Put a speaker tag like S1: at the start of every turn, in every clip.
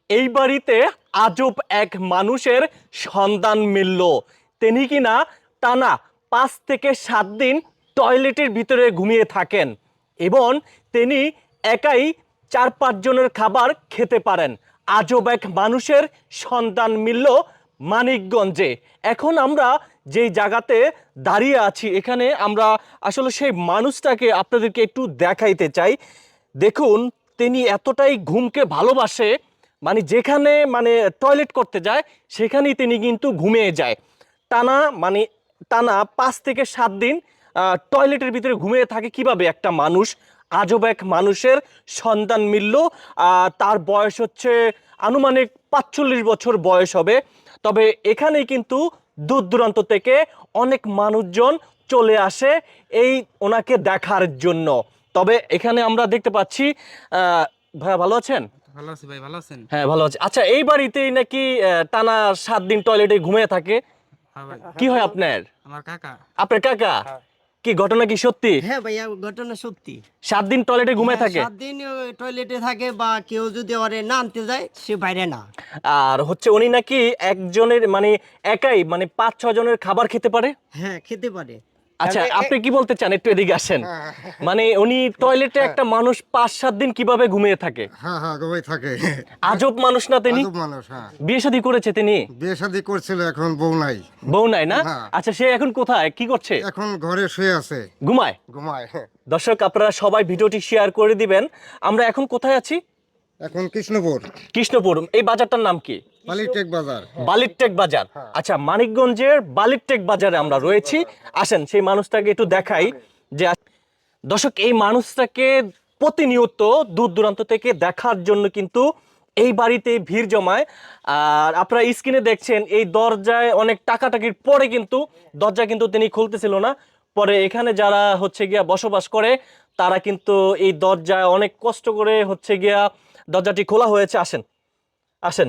S1: এই বাড়িতে আজব এক মানুষের সন্ধান মিলল। তিনি কিনা টানা 5 থেকে 7 দিন টয়লেটের ভিতরে ঘুমিয়ে থাকেন এবং তিনি একাই 4-5 জনের খাবার খেতে পারেন। আজব এক মানুষের সন্ধান মিলল মানিকগঞ্জে। এখন আমরা যেই জায়গাতে দাঁড়িয়ে আছি, এখানে আমরা আসলে সেই মানুষটাকে আপনাদেরকে একটু দেখাইতে চাই। দেখুন, তিনি এতটাই ঘুমকে ভালোবাসে, মানে যেখানে মানে টয়লেট করতে যায় সেখানেই তিনি কিন্তু ঘুমিয়ে যায়। টানা মানে টানা 5 থেকে 7 দিন টয়লেটের ভিতরে ঘুমিয়ে থাকে কিভাবে একটা মানুষ? আজব এক মানুষের সন্ধান মিলল। তার বয়স হচ্ছে আনুমানিক 45 বছর বয়স হবে। তবে এখানেই কিন্তু দূর দূরান্ত থেকে অনেক মানুষজন চলে আসে এই ওনাকে দেখার জন্য। তবে এখানে আমরা দেখতে পাচ্ছি, ভাইয়া ভালো আছেন?
S2: ভালো আছি ভাই, ভালো আছেন?
S1: হ্যাঁ, ভালো আছি। আচ্ছা, এই বাড়িতেই নাকি টানা 7 দিন টয়লেটে ঘুমিয়ে থাকে?
S2: হ্যাঁ ভাই,
S1: কি হয় আপনার?
S2: আমার কাকা।
S1: আপনার কাকা?
S2: হ্যাঁ।
S1: কি ঘটনা কি সত্যি?
S3: হ্যাঁ ভাইয়া, ঘটনা সত্যি।
S1: 7 দিন টয়লেটে ঘুমিয়ে থাকে?
S3: 7 দিন টয়লেটে থাকে, বা কেউ যদি ওরে না আনতে যায় সে বাইরে না।
S1: আর হচ্ছে উনি নাকি একজনের মানে একাই মানে 5-6 জনের খাবার খেতে পারে?
S3: হ্যাঁ, খেতে পারে।
S1: আচ্ছা,
S3: কারণ
S1: আপনি কি বলতে চান? একটু এদিকে আসেন। মানে উনি টয়লেটে একটা মানুষ 5-7 দিন কিভাবে ঘুমিয়ে থাকে?
S4: হ্যাঁ হ্যাঁ, ঘুমাই থাকে।
S1: আজব মানুষ না তিনি?
S4: আজব মানুষ, হ্যাঁ।
S1: বিয়ে শাদী করেছে তিনি?
S4: বিয়ে শাদী করছিল, এখন বউ নাই।
S1: বউ নাই না?
S4: হ্যাঁ।
S1: আচ্ছা, সে এখন কোথায় কি করছে?
S4: এখন ঘরে শুয়ে আছে,
S1: ঘুমায়?
S4: ঘুমায়।
S1: দর্শক, আপনারা সবাই ভিডিওটি শেয়ার করে দিবেন। আমরা এখন কোথায় আছি?
S4: এখন কৃষ্ণপুর
S1: কৃষ্ণপুর। এই বাজারটার নাম কি?
S4: বালিটেক বাজার।
S1: বালিরটেক বাজার। আচ্ছা, মানিকগঞ্জের বালিরটেক বাজারে আমরা রয়েছি। আসেন সেই মানুষটাকে একটু দেখাই। যে দর্শক, এই মানুষটাকে প্রতিনিয়ত দূর দূরান্ত থেকে দেখার জন্য কিন্তু এই বাড়িতে ভিড় জমায়। আর আপনারা স্ক্রিনে দেখছেন, এই দরজায় অনেক টাকাটাকির পরে কিন্তু দরজা কিন্তু তিনি খুলতেছিল না। পরে এখানে যারা হচ্ছে গিয়া বসবাস করে তারা কিন্তু এই দরজায় অনেক কষ্ট করে হচ্ছে গিয়া দরজাটি খোলা হয়েছে। আসেন আসেন,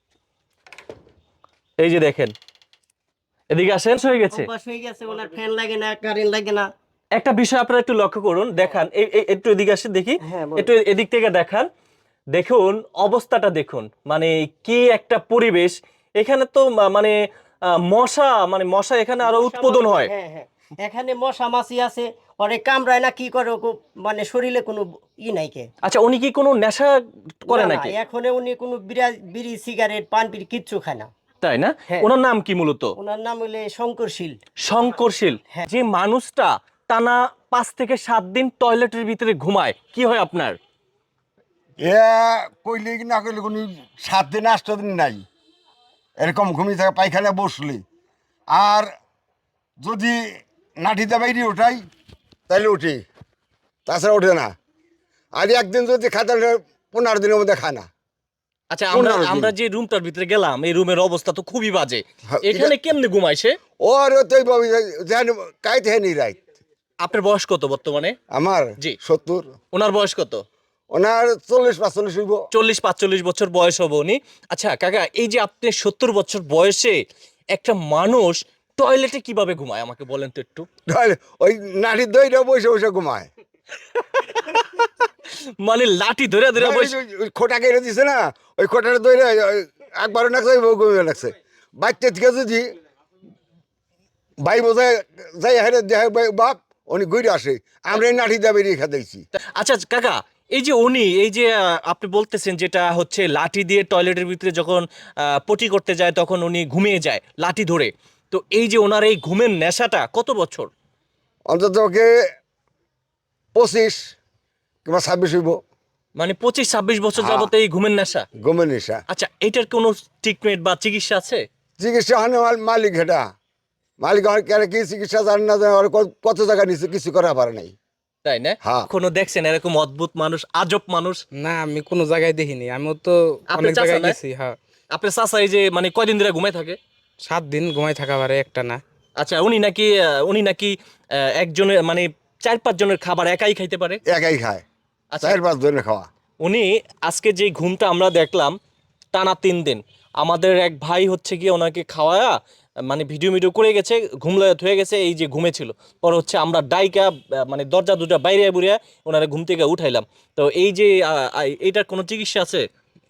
S1: এই যে দেখেন, এদিকে আসেন। হয়ে গেছে।
S3: অভ্যাস হয়ে গেছে, ওনার ফ্যান লাগে না, কারেন্ট লাগে না।
S1: একটা বিষয় আপনারা একটু লক্ষ্য করুন, দেখান একটু এদিকে আসে দেখি।
S3: হ্যাঁ, বলুন।
S1: একটু এদিক থেকে দেখান। দেখুন অবস্থাটা দেখুন, মানে কি একটা পরিবেশ এখানে। তো মানে মশা এখানে আরো উৎপাদন হয়।
S3: হ্যাঁ হ্যাঁ, এখানে মশা মাছি আছে, ওরে কামড়ায় না, কি করে মানে শরীরে কোনো নাই কে।
S1: আচ্ছা, উনি কি কোনো নেশা করে
S3: না, না,
S1: নাকি?
S3: এখন উনি কোনো বিড়ি সিগারেট পান বিড়ি কিচ্ছু খায় না।
S1: তাই না?
S3: হ্যাঁ।
S1: ওনার নাম কি মূলত?
S3: ওনার নাম হলে শঙ্করশীল।
S1: শঙ্করশীল।
S3: হ্যাঁ।
S1: যে মানুষটা টানা 5 থেকে 7 দিন টয়লেটের ভিতরে ঘুমায়, কি হয় আপনার?
S4: এ কইলে কি না কইলে কোনো 7 দিন 8 দিন নাই, এরকম ঘুমিয়ে থাকে পায়খানা বসলে। আর যদি নাঠিতে বাইরে ওঠাই তাহলে উঠি, তাছাড়া ওঠে না। আর একদিন যদি খায় তাহলে 15 দিনের মধ্যে খায় না।
S1: আচ্ছা, আমরা
S4: 15 দিন।
S1: আমরা যে রুমটার ভিতরে গেলাম, এই রুমের অবস্থা তো খুবই বাজে।
S4: হ্যাঁ,
S1: এখানে কেমনে ঘুমায় সে?
S4: ওর তো কাইতে হ্যাঁ নি রাইত।
S1: আপনার বয়স কত বর্তমানে?
S4: আমার
S1: জি।
S4: 70।
S1: ওনার বয়স কত?
S4: ওনার 40-45 হইব।
S1: 40-45 বছর বয়স হবে উনি। আচ্ছা কাকা, এই যে আপনি 70 বছর বয়সে একটা মানুষ টয়লেটে কিভাবে ঘুমায় আমাকে বলেন তো একটু।
S4: তাহলে ওই নাঠির দইটা বসে বসে ঘুমায়।
S1: মানে লাঠি ধরে ধরে বসে?
S4: ওই খোটা কেটে দিছে না, ওই খোটাটা দইরে একবারও নাকছে, ওই ঘুমিয়ে লাগছে। বাচ্চা থেকে যদি ভাই বোঝায় যাই হারে দেখায় বাপ, উনি ঘুরে আসে, আমরা এই নাঠি দিয়ে বেরিয়ে খাইছি।
S1: আচ্ছা কাকা, এই যে উনি এই যে আপনি বলতেছেন যেটা হচ্ছে লাঠি দিয়ে টয়লেটের ভিতরে যখন পটি করতে যায় তখন উনি ঘুমিয়ে যায় লাঠি ধরে। তো এই যে ওনার এই ঘুমের নেশাটা কত বছর?
S4: অন্তত ওকে 25 কিংবা 26 হইব।
S1: মানে 25-26 বছর
S4: হ্যাঁ।
S1: যাবত এই ঘুমের নেশা?
S4: ঘুমের নেশা।
S1: আচ্ছা, এটার কোনো ট্রিটমেন্ট বা চিকিৎসা আছে?
S4: চিকিৎসা হয় না, মালিক হেটা মালিক আমার কেন কি চিকিৎসা জানে না, জানে, আর কত জায়গা নিচ্ছে, কিছু করা পারে নাই।
S1: তাই না?
S4: হ্যাঁ।
S1: কোনো দেখছেন এরকম অদ্ভুত মানুষ, আজব মানুষ?
S2: না, আমি কোনো জায়গায় দেখিনি, আমিও তো
S1: আপনি
S2: অনেক জায়গায়
S1: চাচা না?
S2: গেছি। হ্যাঁ,
S1: আপনার চাচা এই যে মানে কয়দিন ধরে ঘুমায় থাকে?
S2: 7 দিন ঘুমাই থাকা পারে, একটা না।
S1: আচ্ছা, উনি নাকি একজনের মানে 4-5 জনের খাবার একাই খাইতে পারে?
S4: একাই খায়,
S1: আচ্ছা,
S4: 4-5 দিনে খাওয়া।
S1: উনি আজকে যে ঘুমটা আমরা দেখলাম টানা 3 দিন, আমাদের এক ভাই হচ্ছে গিয়ে ওনাকে খাওয়ায়া মানে ভিডিও করে গেছে, ঘুমলায়ত হয়ে গেছে, এই যে ঘুমেছিল। পর হচ্ছে আমরা ডাইকা মানে দরজা দুটা বাইরে বুড়িয়া ওনারা ঘুম থেকে উঠাইলাম। তো এই যে এইটার কোনো চিকিৎসা আছে?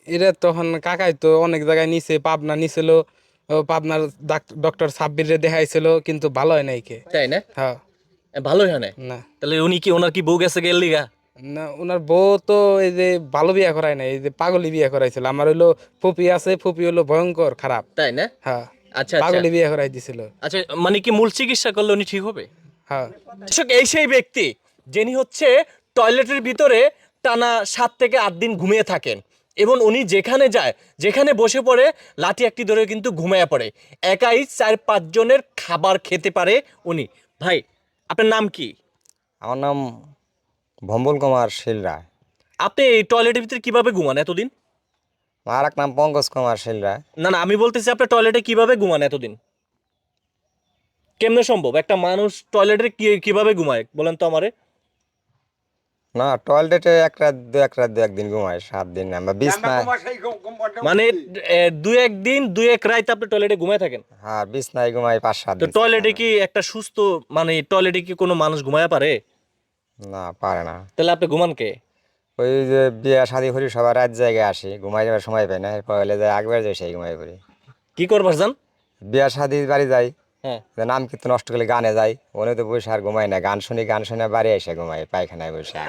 S2: এটা তখন কাকাই তো অনেক জায়গায় নিছে, পাবনা নিছিল, পাবনার ডক্টর সাব্বিরে দেখাইছিল, কিন্তু ভালো হয় নাই কে।
S1: তাই না?
S2: হ্যাঁ।
S1: ভালোই হয় না।
S2: না
S1: তাহলে উনি কি, ওনার কি বউ গেছে গেল লিগা?
S2: না, ওনার বউ তো এই যে ভালো বিয়ে করায় নাই, এই যে পাগলি বিয়ে করাইছিল। আমার হইলো ফুপি আছে, ফুপি হলো ভয়ঙ্কর খারাপ।
S1: তাই না?
S2: হ্যাঁ,
S1: আচ্ছা আচ্ছা
S2: পাগলি বিয়ে করাই দিছিল।
S1: আচ্ছা, মানে কি মূল চিকিৎসা করলে উনি ঠিক হবে?
S2: হ্যাঁ।
S1: দর্শক, এই সেই ব্যক্তি যিনি হচ্ছে টয়লেটের ভিতরে টানা 7 থেকে 8 দিন ঘুমিয়ে থাকেন, এবং উনি যেখানে যায়, যেখানে বসে পড়ে, লাঠি একটি ধরে কিন্তু ঘুমিয়ে পড়ে। একাই 4-5 জনের খাবার খেতে পারে উনি। ভাই, আপনার নাম কি?
S5: আমার নাম ভম্বল কুমার শীল রায়।
S1: আপনি এই টয়লেটের ভিতরে কিভাবে ঘুমান এতদিন?
S5: আর এক নাম পঙ্কজ কুমার শীল রায়।
S1: না না, আমি বলতেছি আপনি টয়লেটে কিভাবে ঘুমান এতদিন? কেমনে সম্ভব? একটা মানুষ টয়লেটে কিভাবে ঘুমায় বলেন তো আমারে?
S5: না, টয়লেটে দু একদিন ঘুমাই, 7 দিন আমরা বিছনায়।
S1: মানে 2-1 দিন 2-1 রাত আপনি টয়লেটে ঘুমায় থাকেন?
S5: হ্যাঁ, বিছনায় ঘুমাই 5-7
S1: তো
S5: দিন।
S1: টয়লেটে কি একটা সুস্থ, মানে টয়লেটে কি কোনো মানুষ ঘুমায় পারে?
S5: না, পারে না।
S1: তাহলে আপনি ঘুমান কে?
S5: ওই যে বিয়ে শাদি করি, সবার রাত জায়গায় আসি, ঘুমাই যাবার সময় পাই না, এরপর হলে যায় আগবার যাই, সেই ঘুমাই পড়ি।
S1: কি করবার যান?
S5: বিয়ে শাদি বাড়ি যাই,
S1: হ্যাঁ।
S5: যে নাম কীর্তন নষ্ট করলে গানে যাই, ওনে তো বসে আর ঘুমাই না, গান শুনে বাড়ি এসে ঘুমাই পায়খানায় বসে।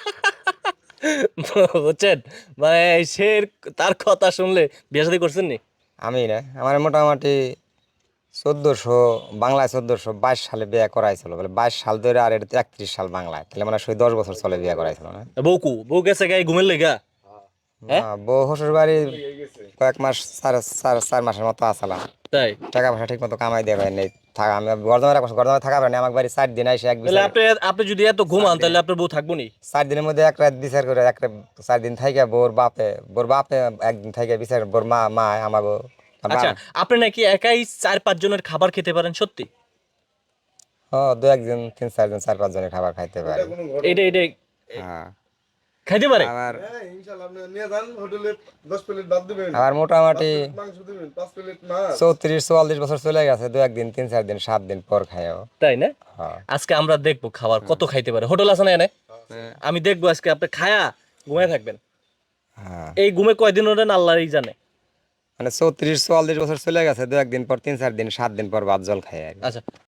S1: বুঝছেন, মানে সে, তার কথা শুনলে বিয়ে শাদী করছেন নি?
S5: আমি না, আমার মোটামুটি 1400 বাংলায় 1422 সালে বিয়ে করাইছিল, বলে 22 সাল ধরে, আর এটা 31 সাল বাংলায়, তাহলে মানে 10 বছর চলে বিয়ে করাইছিল না।
S1: বউ গেছে গায়ে ঘুমের লেগা? হ্যাঁ?
S5: না, বউ শ্বশুর বাড়ি কয়েক মাস, 4 মাসের মতো আসলাম।
S1: তাই?
S5: টাকা পয়সা ঠিক মতো কামাই দিয়ে পাই নাই, থাকা আমি গরদমে থাকা পারি না, আমার বাড়ি 4 দিন আইসে এক
S1: তাহলে
S5: বিচার,
S1: আপনি যদি এত ঘুমান, তাহলে আপনার বউ থাকবো নি?
S5: 4 দিনের মধ্যে এক রাত বিচার করে, 4 দিন থাইকে বোর বাপে একদিন থাইকে বিচার, বোর মা আমাগো।
S1: আচ্ছা, আপনি নাকি একাই 4-5 জনের খাবার খেতে পারেন, সত্যি?
S5: ও, 2-1 জন 3-4 জন 4-5 জনের খাবার খাইতে পারে।
S1: এটা
S5: হ্যাঁ।
S1: খাইতে পারে?
S5: আবার
S6: ইনশাআল্লাহ আপনি নিয়ে যান হোটেলে 10 প্লেট ভাত দিবেন,
S5: আবার মোটামুটি
S6: মাংস দিবেন 5 প্লেট মাছ।
S5: 34-44 বছর চলে গেছে, 2-1 দিন 3-4 দিন 7 দিন পর খাইও।
S1: তাই না?
S5: হ্যাঁ।
S1: আজকে আমরা দেখবো খাবার কত খাইতে পারে। হোটেল আছে না এনে? আমি দেখবো আজকে আপনি খায়া ঘুমায় থাকবেন।
S5: হ্যাঁ,
S1: এই ঘুমে কয়দিন ওঠেন আল্লাহই জানে।
S5: মানে 34-44 বছর চলে গেছে, 2-1 দিন পর 3-4 দিন 7 দিন পর ভাত জল খাই আর কি।
S1: আচ্ছা,